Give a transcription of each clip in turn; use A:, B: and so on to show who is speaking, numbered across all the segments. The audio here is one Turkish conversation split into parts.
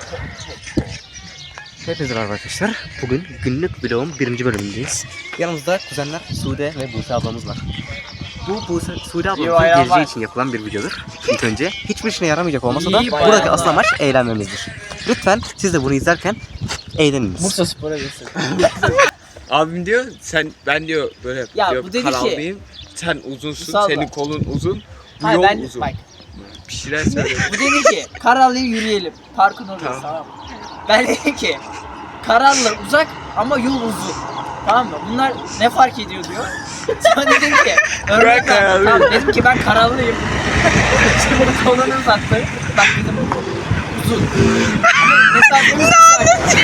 A: Hepinize merhaba arkadaşlar. Bugün günlük vlogun 1. bölümündeyiz. Yanımızda kuzenler Sude ve Buse ablamız var. Bu Sude ablamızın geleceği için yapılan bir videodur. İlk önce hiçbir işine yaramayacak olmasa da buradaki asıl amaç eğlenmemizdir. Lütfen siz de bunu izlerken eğleniniz.
B: Bursa Spor'a gitsin.
C: Abim diyor ben diyor böyle
B: Ya
C: diyor,
B: bu dedi
C: karallıyım. Sen uzunsun,
B: Salla.
C: senin kolun uzun, bu
B: Hayır
C: yol
B: ben
C: uzun.
B: bak.
C: Bir şeyler söylüyor.
B: Bu dedi ki Karallı'ya yürüyelim. Parkın orası tamam mı? Ben dedim ki Karallı uzak ama yol uzun. Tamam mı? Bunlar ne fark ediyor diyor. Sonra dedim ki örnek verdim. Tamam dedim ki ben Karallıyım. Şimdi kolunu uzattı. Bak dedim uzun. Mesafemiz uzak.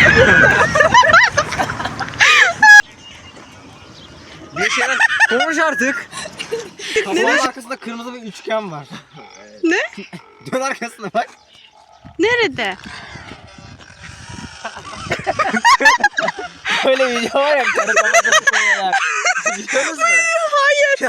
A: Bir şeyler konuş artık.
B: Kafanın arkasında kırmızı bir üçgen var.
D: Ne?
B: Dön arkasına bak.
D: Nerede?
B: Böyle video var ya karı kafada koyuyorlar. Biliyorsunuz mu?
D: Hayır.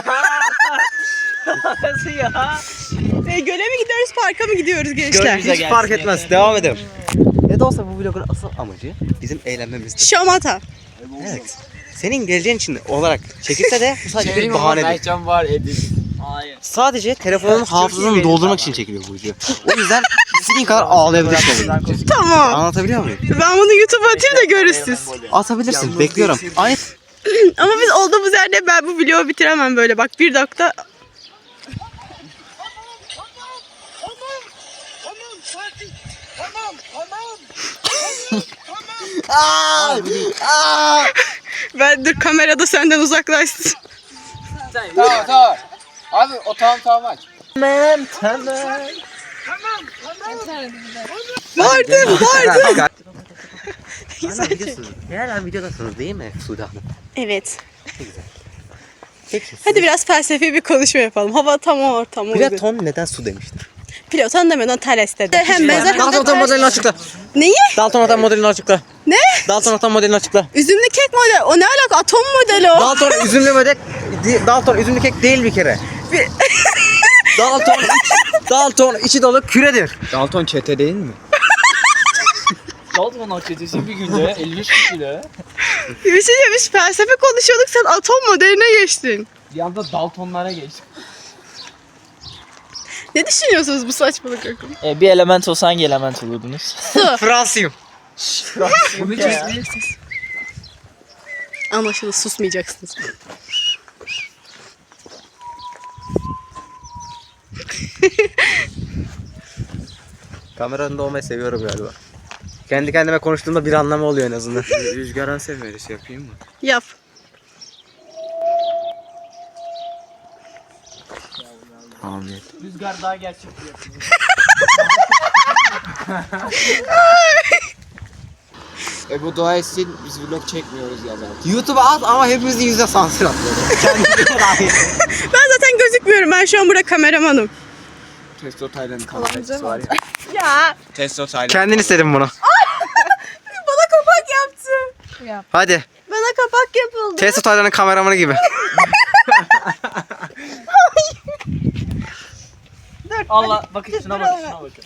B: Nasıl ya?
D: Göle mi gidiyoruz, parka mı gidiyoruz gençler?
B: Bize
A: Hiç
B: gelsin
A: fark
B: yeter.
A: etmez. Devam edelim. Ne de olsa bu vlogun asıl amacı bizim eğlenmemizdir.
D: Şamata.
A: Evet. Senin geleceğin için olarak çekilse de bu sadece bir bahanedir.
B: Mertcan var edin. Hayır.
A: Sadece telefonun hafızasını doldurmak için çekiliyor bu video. O yüzden istediğin kadar ağlayabilirsin.
D: Tamam.
A: Anlatabiliyor muyum?
D: Ben bunu YouTube'a atayım da görürsün siz.
A: Atabilirsin. Bekliyorum. Aynı
D: Ama biz olduğumuz yerde ben bu vlogu bitiremem böyle. Bak 1 dakika. Ben dur kamerada senden uzaklaşsın.
B: Tamam. Abi o tamam aç. Tamam.
D: Vardım.
A: Hala videodasınız değil mi Sude Hanım?
D: Evet.
A: Peki.
D: Hadi biraz felsefi bir konuşma yapalım. Hava tam ortam uygun.
A: Platon neden su demiştir?
D: Platon demeden Thales dedi. Hem benzer hem de
A: Dalton
D: ters.
A: modelini açıkla.
D: Neyi?
A: Dalton atom modelini açıkla.
D: Ne?
A: Dalton atom modelini açıkla.
D: Üzümlü kek model. O ne alaka? Atom modeli o.
A: Dalton üzümlü model. Dalton üzümlü kek değil bir kere. Dalton içi dolu küredir.
C: Dalton çete değil mi?
B: Dalton akçesi bir günde 53 kilo.
D: Bir şey demiş, felsefe konuşuyorduk, sen atom modeline geçtin.
B: Bir anda Daltonlara geçtik.
D: Ne düşünüyorsunuz bu saçmalık hakkında?
B: Bir element olsa hangi element olurdunuz?
D: Su.
A: Fransıyım.
B: Bunu çözdüm.
D: Anlaşıldı, susmayacaksınız.
A: Kamera önünde olmayı seviyorum galiba. Kendi kendime konuştuğumda bir anlamı oluyor en azından.
C: Rüzgaran severisi yapayım mı?
D: Yap.
C: Amin.
B: Rüzgar daha gerçekçi yapıyor.
C: Bu dua etsin biz vlog çekmiyoruz ya zaten.
A: YouTube'a at ama hepimizin yüzüne sansür atıyor.
D: Ben zaten gözükmüyorum, ben şu an burada kameramanım.
C: Testo Taylan'ın kamerası var ya.
D: Ya.
C: Testo Taylan.
A: Kendin istedin bunu.
D: Bana kapak yaptı.
A: Hadi.
D: Bana kapak yapıldı.
A: Testo Taylan'ın kameramanı gibi.
B: Allah bakın şuna bakın şuna bakın.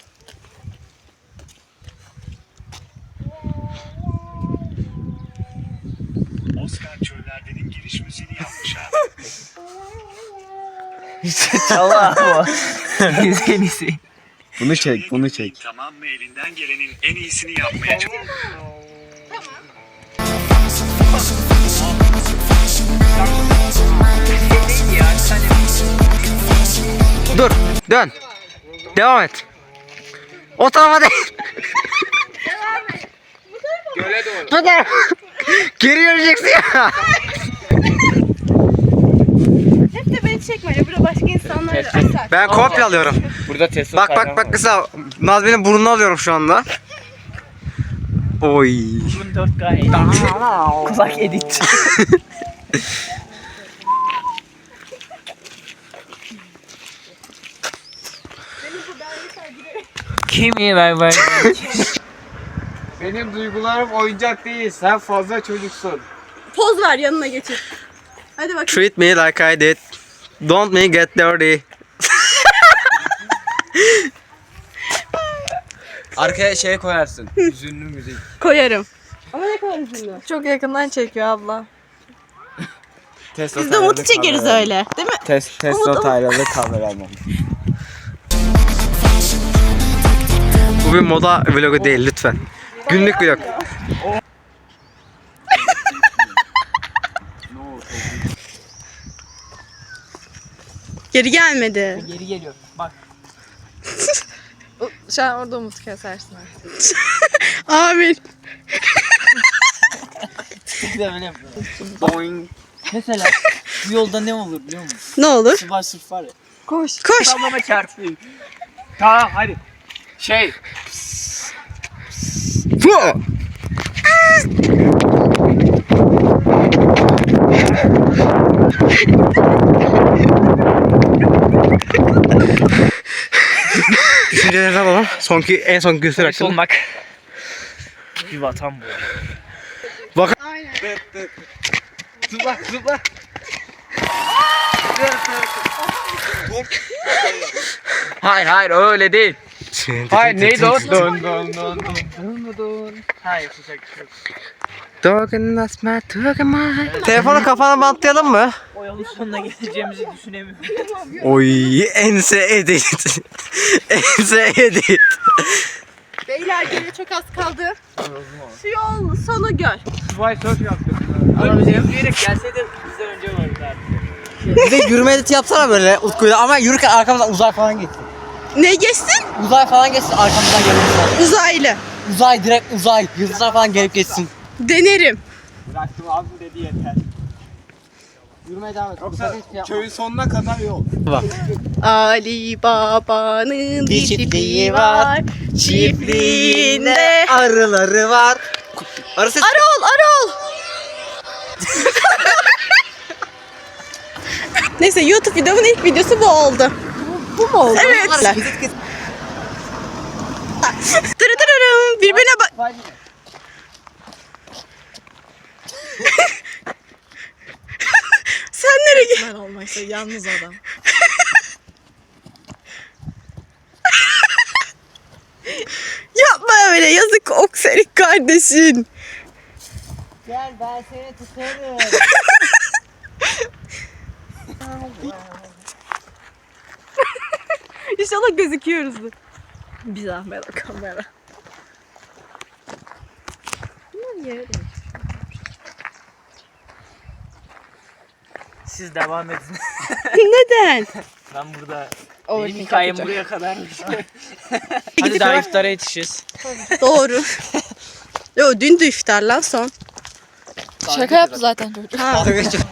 E: Oscar Çöller'denin giriş müziğini yapmış abi.
B: Allah bu. Biz en iyisi.
C: Bunu çek, bunu çek.
E: Tamam mı, elinden gelenin en iyisini yapmaya çalış.
A: Dur. Dön. Devam et. O tarafa değil.
C: Göle doğru.
A: Bu tarafa. Geri yürüyeceksin ya.
D: Hep de beni çekme ya, burada başka insanlar da asar.
A: Ben kopya alıyorum.
C: Burada Testo
A: Bak kısa. Nazmi'nin burnunu alıyorum şu anda. Oy.
B: Bunun 4K edit. Kulak edit. Kimi ben.
C: Benim duygularım oyuncak değil. Sen fazla çocuksun.
D: Poz ver, yanına geçir. Hadi bakayım.
A: Treat me like I did. Don't me get dirty.
C: Arkaya şey koyarsın. Hüzünlü müzik.
D: Koyarım. Ama ne kadar üzüldü.
F: Çok yakından çekiyor abla.
D: Biz de Umut'u çekeriz öyle. Değil mi?
C: Testo taylalı kameraman.
A: Bu bir moda vlogu değil lütfen. Günlük vlog.
D: Geri gelmedi.
B: Geri geliyor. Bak.
F: Şu an orada Umut kesersin artık.
D: Amin.
B: Bir de öyle yapıyor. Mesela bu yolda ne olur biliyor musun?
D: Ne olur?
B: Sıfır sırf var ya.
F: Koş.
D: Koş.
B: Sallama çarpıyor.
C: Tamam hadi. Şey.
A: Düşüncelerinizi alalım. En son göster
B: Polis
A: hakkında.
B: olmak bir vatan bu.
D: Aynen.
C: Zıpla zıpla. Hayır öyle değil. Hayır neydi o? Dön dön dön dön.
B: Hayır sıcak bir şey yok.
A: Telefonu kafana bantlayalım mı?
B: O yolun sonuna geleceğimizi düşünemiyorum.
A: Oy ense edit. Ense edit.
D: Beyler geriye çok az kaldı. Şu yol sonu göl.
C: Vay surf yaptık.
B: Ama bize yürüyerek gelseydi bizden önce vardı artık.
A: Bir de yürüme editi yapsana böyle Utku'yla ama yürürken arkamızdan uzay falan geçsin.
D: Ne geçsin?
A: Uzay falan geçsin arkamızdan gelirse.
D: Uzaylı.
A: Uzay direkt uzay. Yıldızlar falan gelip geçsin.
D: Denerim.
C: Bıraktım abi dedi yeter.
A: Yürümeye devam et.
C: Yoksa köyün sonuna kadar yol.
D: Ali Baba'nın
A: Bir çiftliği var.
D: Çiftliğinde
A: Arıları var. Arı ses.
D: Arol, Arol. Neyse YouTube videomun ilk videosu bu oldu. Bu mu oldu? Evet. Tırıtırırım. Birbirine bak. Sen nereye gittin?
F: Ben olmaksa yalnız adam.
D: Yapma öyle. Yazık okserik kardeşin.
B: Gel ben seni tutarım.
D: İnşallah gözüküyoruzdur.
F: Bir zahmet o kamera.
B: Siz devam edin.
D: Neden?
B: Ben burada
F: O
B: benim hikayem buraya kadarmış. Hadi
D: Gidip
B: daha
D: hemen-
B: iftara yetişiriz.
D: Doğru. Yo dün de iftar lan son.
F: Şaka yaptı zaten çocuk.
D: Ha.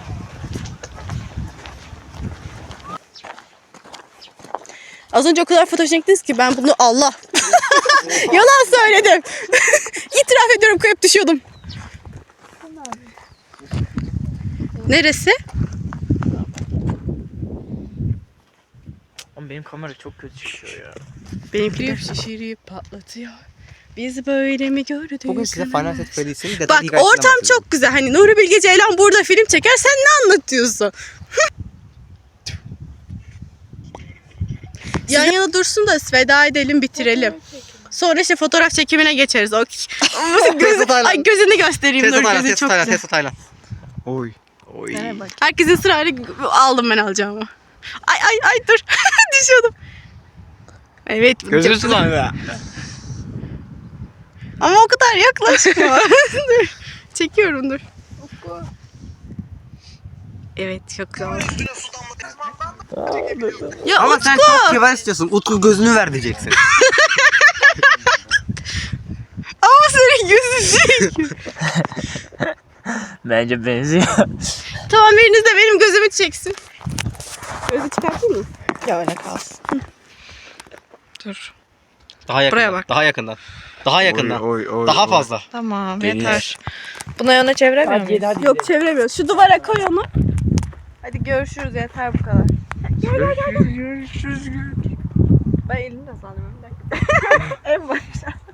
D: Az önce o kadar fotojeniktiz ki ben bunu Allah. Yalan söyledim. İtiraf ediyorum kayıp düşüyordum. Neresi?
B: Ama benim kamera çok kötü çıkıyor ya.
D: Benimki şişirip patlatıyor. Biz böyle mi gördük?
A: Bugün size Final Set Felice'in
D: Bak ortam çok güzel. Hani Nuri Bilge Ceylan burada film çeker. Sen ne anlatıyorsun? Yan yana dursun da veda edelim bitirelim. Sonra işte fotoğraf çekimine geçeriz. O Ay gözünü göstereyim Nuri gözü çok güzel.
A: Tesla Taylan. Oy. Oy.
D: Herkesin sırayla aldım ben alacağımı. Ay dur. Düşüyordum. Evet.
C: Gözünü sulan ya.
D: Ama o kadar yaklaşma. Dur. Çekiyorum dur. Evet çok güzel. Ya
A: Ama
D: Utku.
A: sen çok kibar istiyorsun. Utku gözünü ver diyeceksin.
D: Ama senin gözün değil.
B: Bence benziyor.
D: Tamam biriniz de benim gözümü çeksin. Gözü çıkartayım mı?
F: Ya öyle kalsın.
D: Dur.
A: Daha yakından.
D: Buraya bak.
A: Daha yakından. Daha yakından.
C: Oy,
A: Daha fazla.
F: Tamam
C: Deniz.
F: yeter. Buna yana çeviremiyor muyuz?
B: Hadi
D: Yok çeviremiyoruz. Şu duvara koy onu.
F: Hadi görüşürüz yeter bu kadar. Görüşürüz. Ben elimde sanıyorum. Bir dakika. En başta.